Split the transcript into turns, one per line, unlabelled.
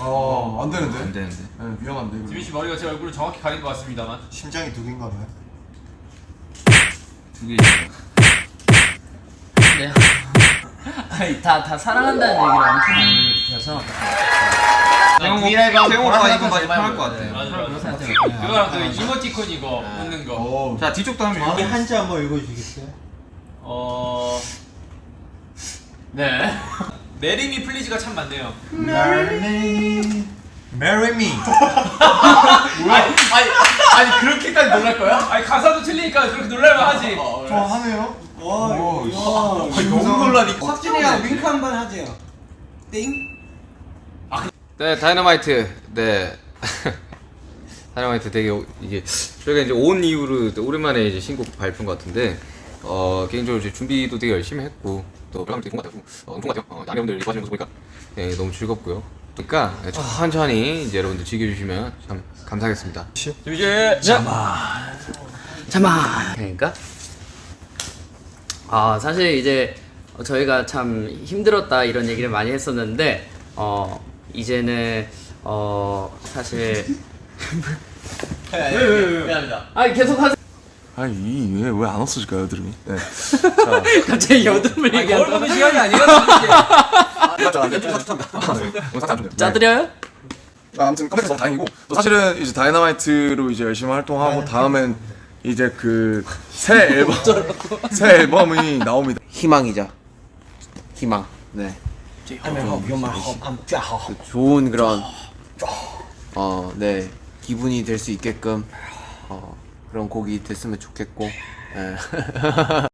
안 되는데.
안 되는데.
네, 위험한데.
지민 씨 머리가 제 얼굴을 정확히 가린 것 같습니다만.
심장이 두 개인가 봐요.
두 개죠.
네. 아니 다 사랑한다는 얘기를 엄청 많이 해서.
태용오빠 이거 많이 편할 것 같아.
맞아. 그거랑 그 이모티콘 이거 웃는 거.
자 뒤쪽도 한번
마음의
읽어.
한자 한번 읽어주시겠어요?
네. 메리미 플리즈가 참 많네요.
Marry me.
아니 그렇게까지 놀랄 거야? 아니 가사도 틀리니까 그렇게 놀랄만 하지.
좋아하네요. 와,
너무 놀라니까.
확진이랑 윙크 한번 하세요. 띵.
네, 다이너마이트. 네. 다이너마이트 되게 이게 저희가 이제 온 이후로 오랜만에 이제 신곡 발표인 것 같은데 개인적으로 이제 준비도 되게 열심히 했고 또 별감 되게 좋은 것 같아요. 좋은 것 같아요. 양해분들 좋아하시는 모습 보니까 네, 너무 즐겁고요. 그러니까 천천히 이제 여러분들 즐겨주시면 참 감사하겠습니다.
잠깐. 그러니까 사실 이제 저희가 참 힘들었다 이런 얘기를 많이 했었는데 이제는 사실 미안합니다. 아니 계속 하세요.
아니 왜 안 없어질까요, 여드름이? 네.
갑자기 여드름을 얘기한다.
거울 보는 시간이 아니에요.
짜드려요?
아무튼 컴백해서 너무 다행이고 또 사실은 이제 다이너마이트로 이제 열심히 활동하고 다음엔 이제 그 새 앨범이 나옵니다.
희망이죠. 희망. 네. 좋은 그런 네 기분이 될 수 있게끔 그런 곡이 됐으면 좋겠고. 네.